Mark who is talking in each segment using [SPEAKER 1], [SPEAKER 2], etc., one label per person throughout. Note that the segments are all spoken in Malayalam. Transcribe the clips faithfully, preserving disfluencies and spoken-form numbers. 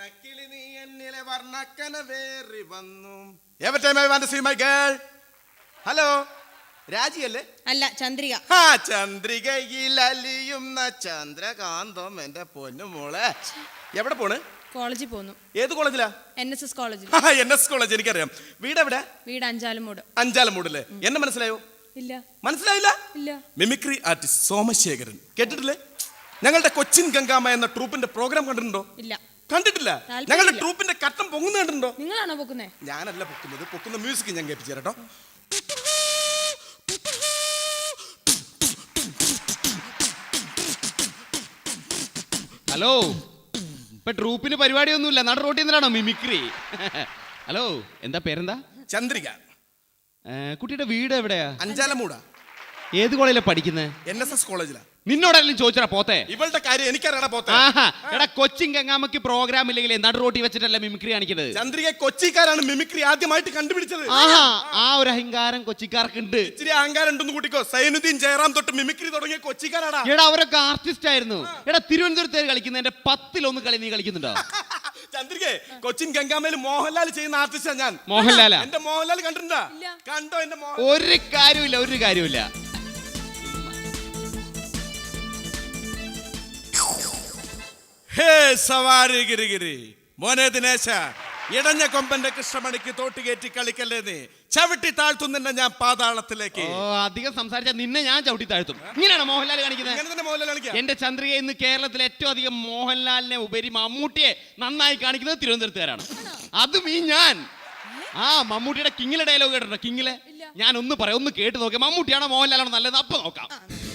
[SPEAKER 1] വർണ്ണക്കിളി നീ എന്നിലെ വർണ്ണക്കന വേറി വന്നു. Every time I want to see my girl. Hello, രാജിയല്ലേ?
[SPEAKER 2] അല്ല, ചന്ദ്രിക.
[SPEAKER 1] ആ, ചന്ദ്രികയിൽ അലിയുന്ന ചന്ദ്രകാന്തം. എന്റെ പൊന്നു മോളെ, എവിടെ പോണ്?
[SPEAKER 2] കോളേജിൽ പോന്നു.
[SPEAKER 1] ഏത് കോളേജിലാ?
[SPEAKER 2] എൻ എസ് എസ് കോളേജിൽ.
[SPEAKER 1] എൻ എസ് കോളേജ് എനിക്കറിയാം. വീട് എവിടെ?
[SPEAKER 2] വീട് അഞ്ചാലുമൂട്.
[SPEAKER 1] അഞ്ചാലുമൂടല്ലേ? എന്നെ മനസ്സിലായോ?
[SPEAKER 2] ഇല്ല.
[SPEAKER 1] മനസ്സിലായില്ല?
[SPEAKER 2] ഇല്ല.
[SPEAKER 1] മിമിക്രി ആർട്ടിസ്റ്റ് സോമശേഖരൻ, കേട്ടിട്ടില്ലേ? ഞങ്ങളുടെ കൊച്ചിൻ ഗംഗാമ എന്ന ട്രൂപ്പിന്റെ പ്രോഗ്രാം കണ്ടിട്ടുണ്ടോ?
[SPEAKER 2] ഇല്ല.
[SPEAKER 1] കണ്ടിട്ടില്ല? ഞങ്ങളുടെ ട്രൂപ്പിന്റെ കട്ടം പൊങ്ങുന്ന കണ്ടിട്ടുണ്ടോ?
[SPEAKER 2] നിങ്ങളാണോ പൊക്കുന്നേ?
[SPEAKER 1] ഞാനല്ല പൊക്കുന്നത്. പൊക്കുന്ന മ്യൂസിക് ഞാൻ കേൾപ്പിച്ചു തരാട്ടോ.
[SPEAKER 3] ഹലോ, ഇപ്പൊ ട്രൂപ്പിന് പരിപാടിയൊന്നുമില്ല, നട റോട്ടിൽ നിന്നാണോ മിമിക്രി? ഹലോ, എന്താ പേരെന്താ?
[SPEAKER 1] ചന്ദ്രിക.
[SPEAKER 3] കുട്ടിയുടെ വീട് എവിടെയാ?
[SPEAKER 1] അഞ്ചാലമൂടാ.
[SPEAKER 3] ഏത് കോളേജിലാണ് പഠിക്കുന്നത്?
[SPEAKER 1] എൻ എസ് എസ് കോളേജിലാ.
[SPEAKER 3] നിന്നോടെല്ലാം ചോദിച്ചാ പോത്തെ?
[SPEAKER 1] ഇവളുടെ കാര്യം എനിക്കറിയണ പോത്തെ.
[SPEAKER 3] എടാ, കൊച്ചിൻ ഗംഗാമയ്ക്ക് പ്രോഗ്രാം ഇല്ലെങ്കിൽ നട റോട്ടി വെച്ചിട്ടല്ല മിമിക്രി കാണിക്കുന്നത്.
[SPEAKER 1] ചന്ദ്രിക കൊച്ചിക്കാരാണ് മിമിക്രി ആദ്യമായിട്ട് കണ്ടുപിടിച്ചത്.
[SPEAKER 3] ആ ഒരു അഹങ്കാരം കൊച്ചിക്കാർക്കുണ്ട്.
[SPEAKER 1] ഇച്ചിരി അഹങ്കാരം ഉണ്ടെന്ന് കൂട്ടിക്കോ. സൈനുദ്ദീൻ ജയറാം തൊട്ട് മിമിക്രി തുടങ്ങിയ കൊച്ചിക്കാരാടാ.
[SPEAKER 3] എടാ, അവരൊക്കെ ആർട്ടിസ്റ്റ് ആയിരുന്നു. എടാ, തിരുവനന്തപുരത്ത് കളിക്കുന്നതിന്റെ പത്തിലൊന്ന് കളി നീ കളിക്കുന്നുണ്ടോ?
[SPEAKER 1] ചന്ദ്രിക, കൊച്ചിൻ ഗംഗാമയിൽ മോഹൻലാൽ ചെയ്യുന്ന ആർട്ടിസ്റ്റാ ഞാൻ.
[SPEAKER 3] മോഹൻലാലാ?
[SPEAKER 1] എന്റെ മോഹൻലാൽ കണ്ടിട്ടുണ്ടോ? കണ്ടോ എന്റെ മോഹൻലാൽ?
[SPEAKER 3] ഒരു കാര്യമില്ല, ഒരു കാര്യമില്ല.
[SPEAKER 1] ഹേ സവാരി ഗിരിഗിരി മോനെ ദിനേശ, ഇടഞ്ഞ കൊമ്പന്റെ കൃഷ്ണമണിക്ക് തോട്ടുകയറ്റി കളിക്കല്ലേ നീ. ചവിട്ടി താഴ്ത്തുന്ന ഞാൻ പാതാളത്തിലേക്ക്.
[SPEAKER 3] ഓ, അധികം സംസാരിച്ച നിന്നെ ഞാൻ ചവിട്ടി താഴ്ത്തും. ഇങ്ങനെയാണ് മോഹൻലാൽ കാണിക്കുന്നത്. എന്റെ ചന്ദ്രിക ഇന്ന് കേരളത്തിൽ ഏറ്റവും അധികം മോഹൻലാലിനെ ഉപരി മമ്മൂട്ടിയെ നന്നായി കാണിക്കുന്നത് തിരുവനന്തപുരത്തുകാരാണ്. അതും ഈ ഞാൻ. ആ, മമ്മൂട്ടിയുടെ കിങ്ങിലെ ഡയലോഗ് കേട്ടിട്ടുണ്ടോ? കിങ്ങിലെ ഞാൻ ഒന്ന് പറയാം, ഒന്ന് കേട്ട് നോക്കാം. മമ്മൂട്ടിയാണോ മോഹൻലാലാണോ നല്ലത്? അപ്പൊ നോക്കാം.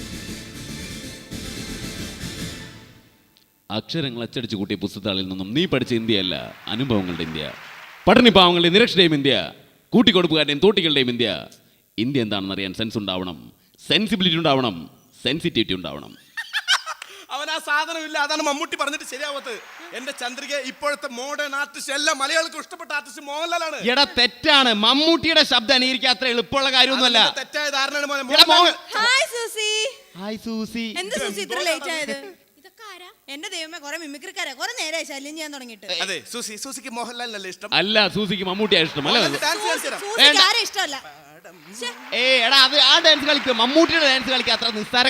[SPEAKER 3] അക്ഷരങ്ങൾ അച്ചടിച്ചു കൂട്ടിയ പുസ്തകത്താളിൽ നിന്നും നീ പഠിച്ച ഇന്ത്യയല്ല, അനുഭവങ്ങളുടെ ഇന്ത്യ. പഠനപാവങ്ങളുടെയും നിരക്ഷരുടെയും ഇന്ത്യ, കൂട്ടിക്കൊടുപ്പുകാരുടെയും തോട്ടികളുടെയും ഇന്ത്യ. ഇന്ത്യ എന്താണെന്ന് അറിയാൻ സെൻസ് ഉണ്ടാവണം, സെൻസിബിലിറ്റി ഉണ്ടാവണം, സെൻസിറ്റിവിറ്റി ഉണ്ടാവണം.
[SPEAKER 1] അവൻ ആ സാധനം ഇല്ല. അതാണ് മമ്മൂട്ടി പറഞ്ഞിട്ട് ശരിയാവത്ത്. എന്റെ ചന്ദ്രിക ഇപ്പോഴത്തെ മോഡേൺ ആർട്ടിസ്റ്റ്, എല്ലാ മലയാളികൾക്കും ഇഷ്ടപ്പെട്ട ആർട്ടിസ്റ്റ് മോഹൻലാലാണ്.
[SPEAKER 3] എടാ, തെറ്റാണ്. മമ്മൂട്ടിയുടെ ശബ്ദം അനുകരിക്കാൻ അത്ര എളുപ്പമുള്ള കാര്യമൊന്നുമല്ല.
[SPEAKER 1] തെറ്റായ ധാരണയാണ്.
[SPEAKER 2] Hi Susie.
[SPEAKER 3] Hi Susie.
[SPEAKER 2] എന്താ സൂസി ഇത്ര ലേറ്റ് ആയത്? എന്റെ ദൈവമേ, കുറെ മിമിക്രിക്കാരാ. കുറെ നേരമായി ശല്യം ചെയ്യാൻ തുടങ്ങിയിട്ട്.
[SPEAKER 1] അതെ, സൂസി സൂസിക്ക് മോഹൻലാലിനല്ലേ ഇഷ്ടം?
[SPEAKER 3] അല്ല, സൂസിക്ക് മമ്മൂട്ടിയാ ഇഷ്ടം. അല്ലേ?
[SPEAKER 2] ഇഷ്ടമല്ല.
[SPEAKER 3] ഏ എടാ, അത് ആ ഡാൻസ് കളിക്കുക, മമ്മൂട്ടിയുടെ ഡാൻസ് കളിക്കുക. അത്ര നിസ്സാര.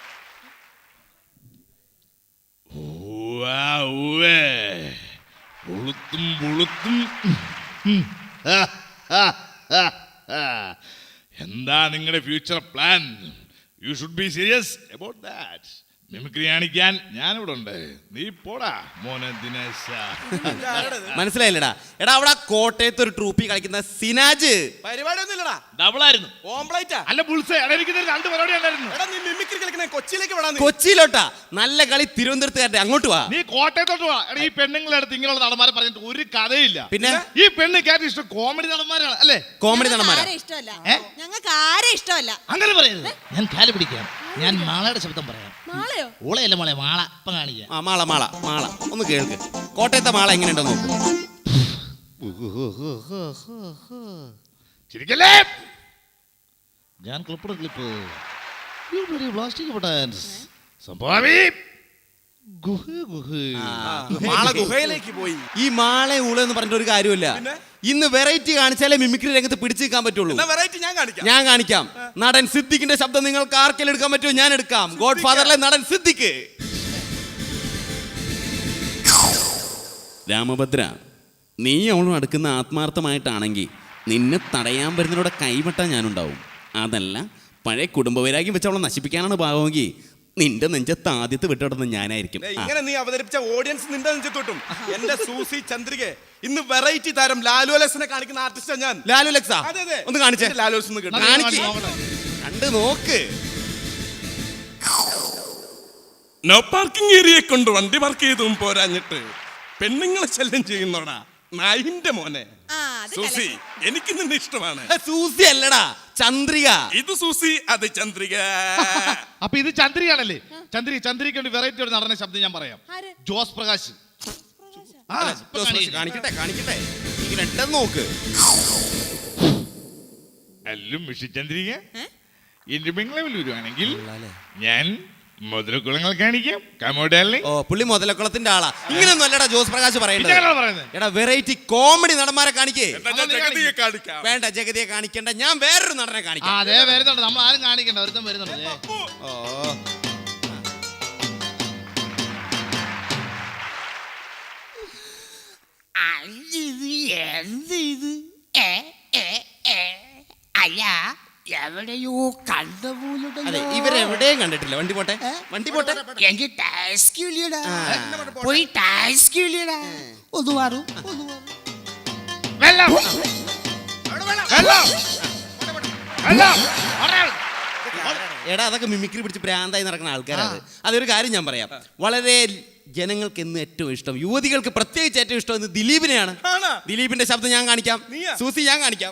[SPEAKER 4] എന്താ നിങ്ങളുടെ future plan? You should be serious about that. Mimicry കാണിക്കാൻ ഞാനിവിടെ ഉണ്ട്. നീ പോടാ മോനെ ദിനേശ.
[SPEAKER 3] മനസ്സിലായില്ലടാ? എടാ, അവിടെ കോട്ടയത്ത് ഒരു ട്രൂപ്പി കളിക്കുന്ന സിനാജ്.
[SPEAKER 1] പരിപാടി ഒന്നുമില്ലടാ,
[SPEAKER 4] ഡബിളായിരുന്നു.
[SPEAKER 1] ഓംപ്ലേറ്റാ
[SPEAKER 4] അല്ല, ബുൾസേ. എനിക്ക് രണ്ട് പരിപാടി ഉണ്ടായിരുന്നു.
[SPEAKER 1] എടാ, നീ മിമിക്രി കളിക്കണേ കൊച്ചിയിലേക്ക് വിടാ.
[SPEAKER 3] കൊച്ചിയിലോട്ടാ? നല്ല കളി തിരുവനന്തപുരത്തുകാരുടെ. അങ്ങോട്ട് വാ.
[SPEAKER 4] നീ കോട്ടയത്തോട്ട് വാ. എടാ, ഈ പെണ്ണുങ്ങളുടെ അടുത്ത് ഇങ്ങനെയുള്ള നടന്മാരെ പറഞ്ഞിട്ട് ഒരു കഥയില്ല.
[SPEAKER 3] പിന്നെ
[SPEAKER 4] ഈ പെണ്ണ് കേട്ട് ഇഷ്ടം കോമഡി നടന്മാരാണ് അല്ലേ?
[SPEAKER 3] കോമഡി നടന്മാരാ
[SPEAKER 2] ഇഷ്ടമല്ല. ഞങ്ങൾക്ക് ആരെ ഇഷ്ടമല്ല.
[SPEAKER 4] അങ്ങനെ പറയരുത്. ഞാൻ കാല് പിടിക്കാം. ഞാൻ മാളയുടെ ശബ്ദം പറയാം.
[SPEAKER 2] മാളയോ?
[SPEAKER 4] ഓളയല്ല മോളെ, മാള. ഇപ്പം കാണിക്കാം.
[SPEAKER 3] ആ, മാള മാള മാള ഒന്ന് കേൾക്ക്. കോട്ടയത്തെ മാള എങ്ങനെയുണ്ടോ നോക്കൂ.
[SPEAKER 4] ശരിക്കല്ലേ? ഞാൻ ക്ലിപ്പ് ക്ലിപ്പ് പ്ലാസ്റ്റിക് പൊട്ടാൻസ് സംഭവി ഗുഹ ഗുഹ
[SPEAKER 1] മാള ഗുഹയിലേക്ക് പോയി.
[SPEAKER 3] ഈ മാളെ ഊള എന്ന് പറഞ്ഞിട്ട് ഒരു കാര്യമില്ല. ഇന്ന് വെറൈറ്റി കാണിച്ചാലേ മിമിക്രി രംഗത്ത് പിടിച്ചു നിൽക്കാൻ പറ്റുള്ളൂ.
[SPEAKER 1] വെറൈറ്റി ഞാൻ കാണിക്കാം.
[SPEAKER 3] ഞാൻ കാണിക്കാം. നടൻ സിദ്ദിഖിന്റെ ശബ്ദം നിങ്ങൾക്ക് ആർക്കെങ്കിലും എടുക്കാൻ പറ്റുമോ? ഞാൻ എടുക്കാം. ഗോഡ് ഫാദറിലെ നടൻ സിദ്ദിഖ്. രാമഭദ്ര, നീ അവളും അടുക്കുന്ന ആത്മാർത്ഥമായിട്ടാണെങ്കിൽ നിന്നെ തടയാൻ വരുന്നതിലൂടെ കൈവെട്ടാൻ ഞാനുണ്ടാവും. അതല്ല, പഴയ കുടുംബവൈരാഗ്യം വെച്ച് അവളെ നശിപ്പിക്കാനാണ് ഭാവമെങ്കിൽ നിന്റെ നെഞ്ചത്ത് ആദ്യത്തെ വിട്ടിടുന്നത് ഞാനായിരിക്കും.
[SPEAKER 1] ഇങ്ങനെ നീ അവതരിപ്പിച്ച ഓഡിയൻസ് നിന്റെ നെഞ്ചത്തോട്ടും. എന്റെ സൂസി ചന്ദ്രിക ഇന്ന് വെറൈറ്റി താരം ലാലു അലക്സിനെ കാണിക്കുന്ന ആർട്ടിസ്റ്റാ ഞാൻ.
[SPEAKER 3] ലാലു അലക്സാ? ഒന്ന് കാണിച്ചേ.
[SPEAKER 1] ലാലു അലക്സ്
[SPEAKER 3] കണ്ട് നോക്ക്.
[SPEAKER 1] നോ പാർക്കിംഗ് ഏരിയയെ കൊണ്ട് വണ്ടി പാർക്ക് ചെയ്തും പോരാഞ്ഞിട്ട് പെണ്ണുങ്ങളെ ശല്യം ചെയ്യുന്നോടാ നായിന്റെ മോനെ. സൂസി, എനിക്ക് നിന്നെ ഇഷ്ടമാണ്.
[SPEAKER 3] സൂസി അല്ലടാ, ചന്ദ്രിക.
[SPEAKER 1] ഇത് സൂസി, അത് ചന്ദ്രിക.
[SPEAKER 4] അപ്പൊ ഇത് ചന്ദ്രികയാണല്ലേ? ചന്ദ്രി ചന്ദ്രിക്ക് വേണ്ടി വെറൈറ്റി ഒരു നടന്ന ശബ്ദം ഞാൻ പറയാം. ജോസ് പ്രകാശ്.
[SPEAKER 3] കാണിക്കട്ടെ കാണിക്കട്ടെ ഇങ്ങനെ നോക്ക്.
[SPEAKER 4] എല്ലാം മിഷി ചന്ദ്രിക എന്റെ ബംഗ്ലാവിൽ വരുവാണെങ്കിൽ ഞാൻ മുതലക്കുളങ്ങൾ കാണിക്കാം. Come on, darling.
[SPEAKER 3] ഓ പുള്ളി മുതലക്കുളത്തിന്റെ ആളാ. ഇങ്ങനെയൊന്നും അല്ലടാ ജോസ് പ്രകാശ്
[SPEAKER 4] ഇതാണോ
[SPEAKER 3] പറയേണ്ടത്.
[SPEAKER 4] പറയുന്നത്?
[SPEAKER 3] എടാ വെറൈറ്റി കോമഡി നടന്മാരെ കാണിക്കേ.
[SPEAKER 1] എന്നാ ഞാൻ ജഗതിയെ കാണിക്കാം.
[SPEAKER 3] വേണ്ട ജഗതിയെ കാണിക്കണ്ട, ഞാൻ വേറൊരു നടനെ
[SPEAKER 5] ആ,
[SPEAKER 3] കാണിക്കാം.
[SPEAKER 5] അതെ വരുന്നുണ്ട്, നമ്മൾ ആരും കാണിക്കണ്ട, ഒരുത്തം വരുന്നുണ്ട് ദേ.
[SPEAKER 3] ഓ
[SPEAKER 6] ഇത് എന്ത് ഇത് ഏ ഏ ഏ അല്ല എവിടെയോ കണ്ട
[SPEAKER 3] അതെ
[SPEAKER 6] പോലുണ്ടല്ലോ.
[SPEAKER 3] ഇവരെവിടെയും കണ്ടിട്ടില്ല. വണ്ടി പോട്ടെ, വണ്ടി പോട്ടെ.
[SPEAKER 6] എനിക്ക് ടാസ്ക് ഇല്ലടാ, പോയി ടാസ്ക് ഇല്ലടാ. ഒന്ന് മാറും ഒന്ന് മാറും.
[SPEAKER 4] വെള്ളം വെള്ളം വെള്ളം.
[SPEAKER 3] എടാ അതൊക്കെ മിമിക്രി പിടിച്ച് പ്രാന്തായി നടക്കുന്ന ആൾക്കാരാണ്. അതൊരു കാര്യം ഞാൻ പറയാം, വളരെ ജനങ്ങൾക്ക് എന്ന് ഏറ്റവും ഇഷ്ടം, യുവതികൾക്ക് പ്രത്യേകിച്ച് ഏറ്റവും ഇഷ്ടം എന്ന് ദിലീപിനെയാണ്.
[SPEAKER 1] ആണോ?
[SPEAKER 3] ദിലീപിന്റെ ശബ്ദം ഞാൻ കാണിക്കാം.
[SPEAKER 1] നീയാ?
[SPEAKER 3] സൂസി ഞാൻ കാണിക്കാം.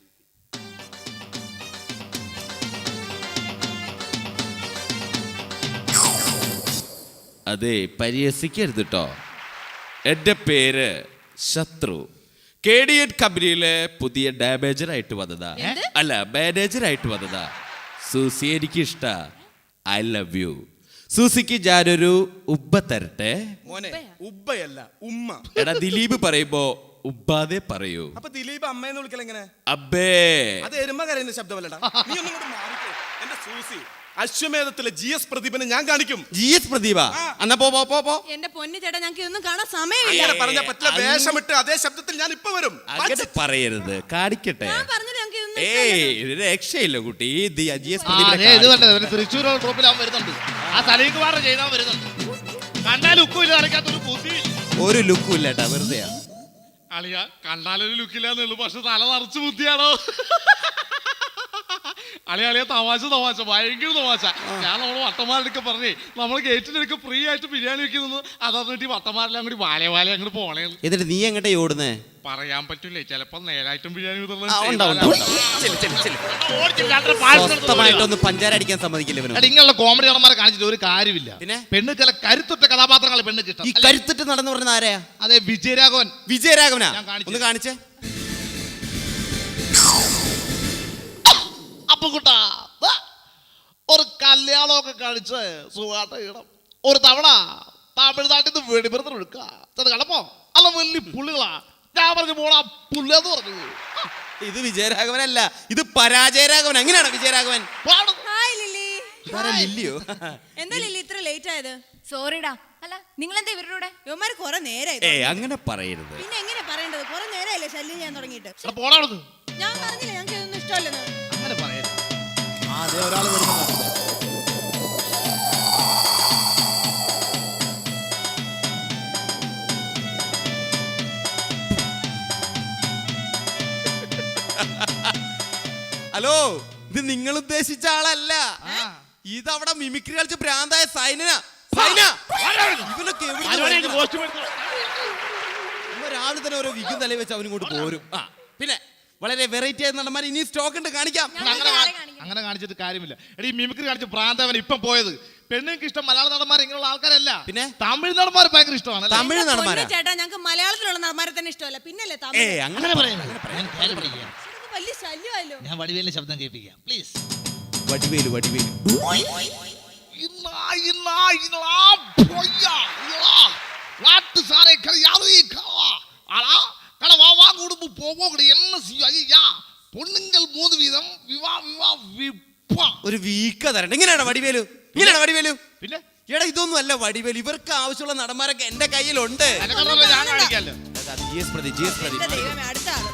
[SPEAKER 3] അതെ പരിഹസിക്കരുത് കേട്ടോ. എൻ്റെ പേര് ശത്രു. കെ ഡി എഡ് കമ്പനിയിലെ പുതിയ ഡാമേജർ ആയിട്ട് വന്നതാ. അല്ല മാനേജർ ആയിട്ട് വന്നതാ. സൂസി എനിക്ക് ഇഷ്ട. I love you. സൂസിക്ക് ഞാനൊരു ഉബ്ബ തരട്ടെ.
[SPEAKER 1] മോനെ ഉബ്ബയല്ല ഉമ്മ.
[SPEAKER 3] എടാ ദിലീപ് പറയുമ്പോ ഉബ്ബാതെ പറയൂ.
[SPEAKER 1] അപ്പൊ ദിലീപ് അമ്മയെന്ന് വിളിക്കൽ എങ്ങനെ?
[SPEAKER 3] അബ്ബേ.
[SPEAKER 1] അത് എരുമ കരയുന്ന ശബ്ദമല്ലടാ. നീ ഒന്നും കൂടെ മാറിക്കോ. എന്റെ സൂസി അശ്വമേധത്തിലെ ജി എസ് പ്രദീപനെ ഞാൻ കാണിക്കും.
[SPEAKER 3] ജി എസ് പ്രദീപ എന്നാ പോ പോ പോ പോ.
[SPEAKER 2] എന്റെ പൊന്നു ചേട്ടാ ഞങ്ങൾക്ക് ഇതൊന്നും കാണാൻ സമയമില്ല.
[SPEAKER 1] അങ്ങനെ പറഞ്ഞ പറ്റില്ല. വേഷമിട്ട് അതേ ശബ്ദത്തിൽ ഞാൻ ഇപ്പൊ വരും.
[SPEAKER 3] അങ്ങനെ പറയരുത്, കാണിക്കട്ടെ.
[SPEAKER 2] ഞാൻ പറഞ്ഞത് ഞങ്ങൾക്ക് ഇതൊന്നും
[SPEAKER 3] ഏയ് ഇത് രക്ഷയില്ല കുട്ടി. ഇത് ജി എസ്
[SPEAKER 5] ആ, ദേ ഇത്
[SPEAKER 3] പ്രദീപിനെ
[SPEAKER 5] കണ്ടത് ഒരു തൃശ്ശൂർ ട്രോപ്പിൽ അവൻ വരുന്നുണ്ട്. ആ സലീം കുമാർ ചെയ്താൽ വരുന്നുണ്ട്. കണ്ടാൽ ഉക്കും ഇല്ല, അറിയാത്തൊരു ബുദ്ധി.
[SPEAKER 3] ഒരു ലുക്കും ഇല്ല കേട്ടാ, വെറുതെ.
[SPEAKER 4] അളിയ കണ്ടാലൊരു ലുക്കില്ലാന്നുള്ളു, പക്ഷെ തല നിറച്ച് ബുദ്ധിയാണോ? അളിയ അളിയ തമാശ തമാശ ഭയങ്കര തമാശ. ഞാൻ നമ്മള് വട്ടന്മാരുടെ പറഞ്ഞേ നമ്മൾ ഗേറ്റിനടുക്ക് ഫ്രീ ആയിട്ട് ബിരിയാണി വെക്കുന്നു. അതറിഞ്ഞിട്ട് വട്ടന്മാരെല്ലാം കൂടി വാലേ വാലേ അങ്ങോട്ട് പോണേ.
[SPEAKER 3] എന്നിട്ട് നീ എങ്ങട്ടെ ഓടുന്നേ?
[SPEAKER 4] പറയാൻ പറ്റൂലേ, ചിലപ്പോ നേരായിട്ടും ബിരിയാണി വിതരണം
[SPEAKER 3] ആ, ഉണ്ടാവും,
[SPEAKER 4] ചെയ്താലാ.
[SPEAKER 3] ഉണ്ടാവും, ഉണ്ടാവും. ചെല്ല്, ചെല്ല്, ചെല്ല്.
[SPEAKER 5] ഓടിച്ചിട്ട് രണ്ടര പായസം എടുത്ത്
[SPEAKER 3] സ്വസ്ഥമായിട്ടൊന്ന് പഞ്ചാര അടിക്കാൻ സമ്മതിക്കില്ല ഇവന്.
[SPEAKER 5] എടാ, ഇങ്ങനെയുള്ള കോമഡി നടന്മാരെ കാണിച്ചിട്ട് ഒരു കാര്യമില്ല.
[SPEAKER 3] പിന്നെ?
[SPEAKER 5] പെണ്ണ് ചില കരുത്തുറ്റ കഥാപാത്രങ്ങൾ പെണ്ണ്
[SPEAKER 3] ഈ
[SPEAKER 5] കിട്ടും.
[SPEAKER 3] കരുത്തിട്ട് നടന്നു പറഞ്ഞ ആരെയാ?
[SPEAKER 5] അതെ വിജയരാഘവൻ.
[SPEAKER 3] വിജയരാഘവനാ?
[SPEAKER 5] ഞാൻ കാണിച്ചു.
[SPEAKER 3] ഒന്ന് കാണിച്ചേ.
[SPEAKER 5] അപ്പൊ കൂട്ടാ ദാ, ഒരു കല്യാണമൊക്കെ കഴിച്ച് സുഖാട്ട് ഇടം ഒരു തവണ തമിഴ്നാട്ടിൽ നിന്ന് വെടിമരുന്ന് എടുക്കുക. ചെന്ന് കണ്ടപ്പോ അല്ല വലിയ പുള്ളികളാ. ഞാൻ പറഞ്ഞു പോടാ പുല്ലെന്ന് പറഞ്ഞു.
[SPEAKER 3] ഇത് വിജയരാഘവനല്ല, ഇത് പരാജയരാഘവൻ. അങ്ങനെയാണോ വിജയരാഘവൻ?
[SPEAKER 5] പാടും.
[SPEAKER 2] Hi Lilly.
[SPEAKER 3] ഇതാരാ ലില്ലിയോ?
[SPEAKER 2] എന്താ ലില്ലി ഇത്ര ലേറ്റ് ആയത്?
[SPEAKER 7] സോറിടാ. അല്ല നിങ്ങൾ എന്താ ഇവരുടെ കൂടെ?
[SPEAKER 2] ഇവന്മാര് കുറെ നേരായി.
[SPEAKER 3] ഏ അങ്ങനെ പറയരുത്.
[SPEAKER 2] പിന്നെ എങ്ങനെ പറയേണ്ടത്? കുറെ നേരമല്ലേ ശല്യം ചെയ്യാൻ തുടങ്ങിയിട്ട്.
[SPEAKER 5] എടാ, പോടാ അവിടുന്ന്.
[SPEAKER 2] ഞാൻ പറഞ്ഞില്ല ഞങ്ങൾക്ക് ഇതൊന്നും ഇഷ്ടമല്ലെന്ന്.
[SPEAKER 5] അങ്ങനെ പറയരുത്. ആ അതെ ഒരാൾ വരുന്നുണ്ട്.
[SPEAKER 3] ഹലോ, ഇത് നിങ്ങൾ ഉദ്ദേശിച്ച ആളല്ല. ഇതവിടെ മിമിക്രി കളിച്ച് ഭ്രാന്തായ സൈന. സൈന ഇവനൊക്കെ എവിടുന്ന്
[SPEAKER 5] ആരോടെങ്കിലും
[SPEAKER 3] വരുന്നതാ?
[SPEAKER 5] കോസ്റ്റ്യൂം എടുത്തോ?
[SPEAKER 3] ഇവൻ രാവിലെ തന്നെ ഓരോ വിഗും തലയിൽ വെച്ച് അവനിങ്ങോട്ട് പോരും. ആ പിന്നെ വളരെ വെറൈറ്റി ആയ നടന്മാർ ഇനി സ്റ്റോക്ക് ഉണ്ട്, കാണിക്കാം.
[SPEAKER 5] അങ്ങനെ കാ- അങ്ങനെ കാണിച്ചിട്ട് കാര്യമില്ല. എടീ മിമിക്രി കാണിച്ച് പ്രാന്തവൻ ഇപ്പം പോയത്. പെണ്ണുങ്ങൾക്ക് ഇഷ്ടം മലയാള നടന്മാർ ഇങ്ങനെയുള്ള ആൾക്കാരല്ല.
[SPEAKER 3] പിന്നെ?
[SPEAKER 5] തമിഴ് നടന്മാർ ഭയങ്കര ഇഷ്ടമാണ്.
[SPEAKER 3] തമിഴ്
[SPEAKER 2] എന്റെ
[SPEAKER 3] നടന്മാരാ?
[SPEAKER 2] പൊന്നു ചേട്ടാ ഞങ്ങൾക്ക് മലയാളത്തിലുള്ള നടന്മാരെ തന്നെ ഇഷ്ടമല്ല. പിന്നല്ലേ
[SPEAKER 3] ഏ
[SPEAKER 2] തമിഴ്?
[SPEAKER 3] അങ്ങനെ
[SPEAKER 5] പറയുന്നത്
[SPEAKER 2] ഇത് വലിയ ശല്യമല്ലോ.
[SPEAKER 5] ഞാൻ വടിവേലിന്റെ ശബ്ദം കേൾപ്പിക്കാം പ്ലീസ്.
[SPEAKER 3] വടിവേലു വടിവേലു.
[SPEAKER 5] நாட்டு சாரை யாரு ஆனா கடவா வா குடும்பம் போவோம் என்ன செய்யும் ஐயா பொண்ணுங்கள் மூது வீதம் விவா விவா വിപ്പാ.
[SPEAKER 3] ഒരു വീക്ക തരണ്ട. ഇങ്ങനെയാണോ വടിവേലു? ഇങ്ങനെയാണോ വടിവേലു?
[SPEAKER 5] പിന്നെ
[SPEAKER 3] എടാ ഇതൊന്നും അല്ല വടിവേലു. ഇവർക്ക് ആവശ്യമുള്ള നടന്മാരൊക്കെ എന്റെ കയ്യിലുണ്ട്.
[SPEAKER 5] അനക്കടല്ല ഞാൻ കാണിക്കാലോ.
[SPEAKER 3] G S Pradeep, G S Pradeep.
[SPEAKER 2] എന്റെ ദൈവമേ, അടുത്ത ആള്.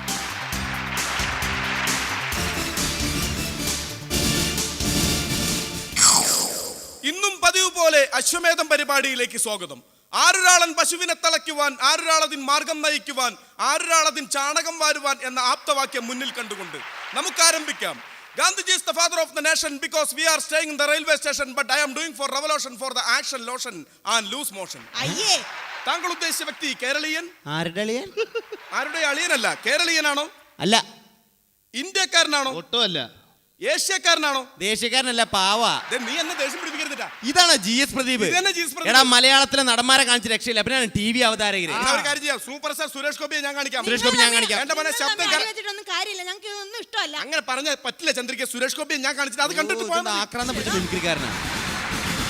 [SPEAKER 1] ഇന്നും പതിവ് പോലെ അശ്വമേധം പരിപാടിയിലേക്ക് സ്വാഗതം. ആരൊരാളൻ പശുവിനെ തളയ്ക്കുവാൻ, ആരൊരാളതിൻ മാർഗം നയിക്കുവാൻ, ആരൊരാളതിൻ ചാണകം വാരുവാൻ എന്ന ആപ്തവാക്യം മുന്നിൽ കണ്ടുകൊണ്ട് നമുക്ക് ആരംഭിക്കാം. Gandhiji is the father of the nation because we are staying in the railway station, but I am doing for revolution for the action, lotion and loose motion.
[SPEAKER 2] അയ്യേ,
[SPEAKER 1] താങ്കൾ ഉദ്ദേശിച്ച വ്യക്തി കേരളീയൻ?
[SPEAKER 3] ആരുടെ അളിയൻ?
[SPEAKER 1] ആരുടെ അളിയനല്ല. കേരളീയനാണോ?
[SPEAKER 3] അല്ല.
[SPEAKER 1] ഇന്ത്യക്കാരനാണോ?
[SPEAKER 5] ഒട്ടുമല്ല.
[SPEAKER 1] ഏഷ്യക്കാരനാണോ?
[SPEAKER 3] ദേശക്കാരനല്ല, പാവാ.
[SPEAKER 1] ദേ, നീ എന്നെ ദേഷ്യം പിടിപ്പിക്കരുതിട്ടാ.
[SPEAKER 3] ഇതാണ് ജി എസ് പ്രദീപ്.
[SPEAKER 1] ഇത് തന്നെ ജി എസ് പ്രദീപ്.
[SPEAKER 3] എടാ മലയാളത്തിലെ നടന്മാരെ കാണിച്ച് രക്ഷയില്ല. പിന്നെ ടി വി അവതാരകര്.
[SPEAKER 1] എന്നാ ഒരു കാര്യം ചെയ്യാം. സൂപ്പർ സ്റ്റാർ സുരേഷ് ഗോപിയെ ഞാൻ കാണിക്കാം.
[SPEAKER 3] സുരേഷ് ഗോപി ഞാൻ കാണിക്കാം.
[SPEAKER 1] എന്റെ മോനെ
[SPEAKER 2] നിങ്ങൾ
[SPEAKER 1] ശബ്ദം
[SPEAKER 2] തമ്മിൽ
[SPEAKER 1] കര-
[SPEAKER 2] അടി വെച്ചിട്ടൊന്നും കാര്യമില്ല. ഞങ്ങൾക്ക് ഇതൊന്നും ഇഷ്ടമല്ല.
[SPEAKER 1] അങ്ങനെ പറഞ്ഞ പറ്റില്ല ചന്ദ്രിക. സുരേഷ് ഗോപിയെ ഞാൻ കാണിച്ചിട്ട് അത് കണ്ടിട്ട് പോയാൽ മതി.
[SPEAKER 3] ആക്രാന്തം പിടിച്ച മിമിക്രിക്കാരനാണ്.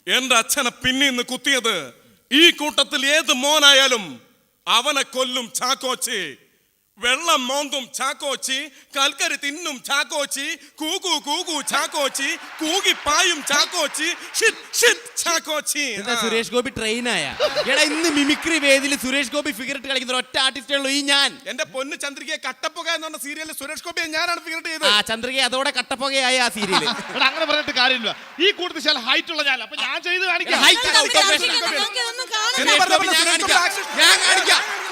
[SPEAKER 1] എന്റെ അച്ഛനെ പിന്നീന്ന് കുത്തിയത് ഈ കൂട്ടത്തിൽ ഏത് മോനായാലും അവനെ കൊല്ലും ചാക്കോച്ചി. വെള്ളം മോന്തും ചാക്കോച്ചി, കൽക്കരി തിന്നും ചാക്കോച്ചി, കൂകു കൂകു ചാക്കോച്ചി, കൂകി പായും ചാക്കോച്ചി, ഷിറ്റ് ഷിറ്റ് ചാക്കോച്ചി.
[SPEAKER 3] എന്താ സുരേഷ് ഗോപി ട്രെയിനായ? എടാ ഇന്ന് മിമിക്രി വേദിയിൽ സുരേഷ് ഗോപി ഫിഗർ ഇട്ട് കളിക്കുന്ന ഒറ്റ ആർട്ടിസ്റ്റേ ഉള്ളൂ ഈ ഞാൻ.
[SPEAKER 1] എന്റെ പൊന്ന് ചന്ദ്രികയെ കട്ടപ്പുക എന്ന് പറഞ്ഞ സീരിയലിൽ സുരേഷ് ഗോപിയെ ഞാനാണ് ഫിഗർ ചെയ്തത്.
[SPEAKER 3] ആ ചന്ദ്രിക അതോടെ കട്ടപ്പുകയായ ആ സീരിയല്.
[SPEAKER 4] എടാ അങ്ങനെ പറഞ്ഞിട്ട് കാര്യമില്ല. ഈ കൂട്ടത്തിൽ ചില ഹൈറ്റ് ഉള്ള ഞാൻ, അപ്പൊ ഞാൻ ചെയ്ത് കാണിക്കാം.
[SPEAKER 3] ഹൈറ്റ്
[SPEAKER 2] നമുക്ക് ഇതൊന്നും കാണണ്ട.
[SPEAKER 1] എന്നാ പറഞ്ഞ പോലെ
[SPEAKER 3] ഞാൻ
[SPEAKER 1] സുരേഷ് ഗോപി
[SPEAKER 3] കാണിക്കാം
[SPEAKER 1] action-
[SPEAKER 3] ഞാൻ കാണിക്കാം